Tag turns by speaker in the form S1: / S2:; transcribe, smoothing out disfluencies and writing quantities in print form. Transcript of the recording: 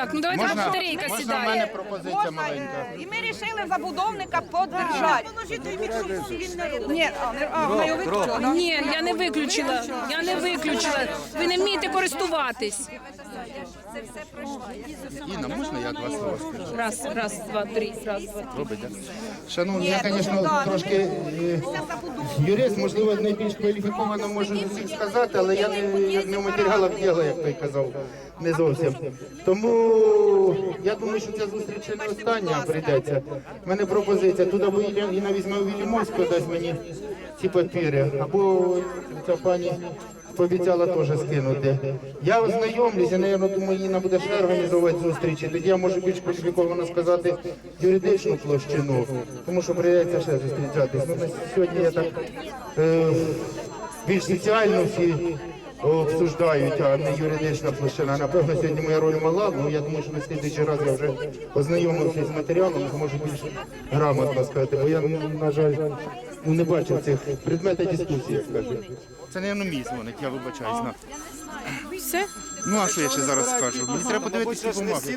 S1: Так, ну давайте
S2: Можна,
S1: батарейка
S2: можна в
S1: сідає.
S2: мене пропозиція маленька.
S3: І ми вирішили забудовника поддержати. Ні, вона його виключила.
S1: Ні, я не виключила. Я не виключила. Ви не вмієте користуватись.
S2: Інна, можна я два слова скажу?
S1: Раз, два, три. Раз, два.
S2: Робите? Шановні, я, звісно, трошки юрист, можливо, найбільш кваліфіковано можу з усіх сказати, але я не в матеріалах діла, як той казав, не зовсім. Тому я думаю, що ця зустріч не остання прийдеться. У мене пропозиція, туди або Інна візьме у Вільямовську, дасть мені ці папіри, або ця пані пообіцяла теж скинути. Я ознайомлюся, мабуть, думаю, Інна буде ще організовувати зустрічі. Тоді я можу більш кваліфіковано сказати юридичну площину, тому що прийдеться ще зустрічатись. Ну, на сьогодні я так більш соціально всі обсуждають, а не юридична площина. Напевно, сьогодні моя роль мала, але я думаю, що на слідуючий раз я вже ознайомився з матеріалом, зможу більш грамотно сказати, бо я, на жаль, не бачив цих предметів дискусії, як скажу. Це, мабуть, мій дзвоник, я вибачаюсь.
S1: Все?
S2: Ну, а що я ще зараз скажу? Мені треба подивитися бумаги.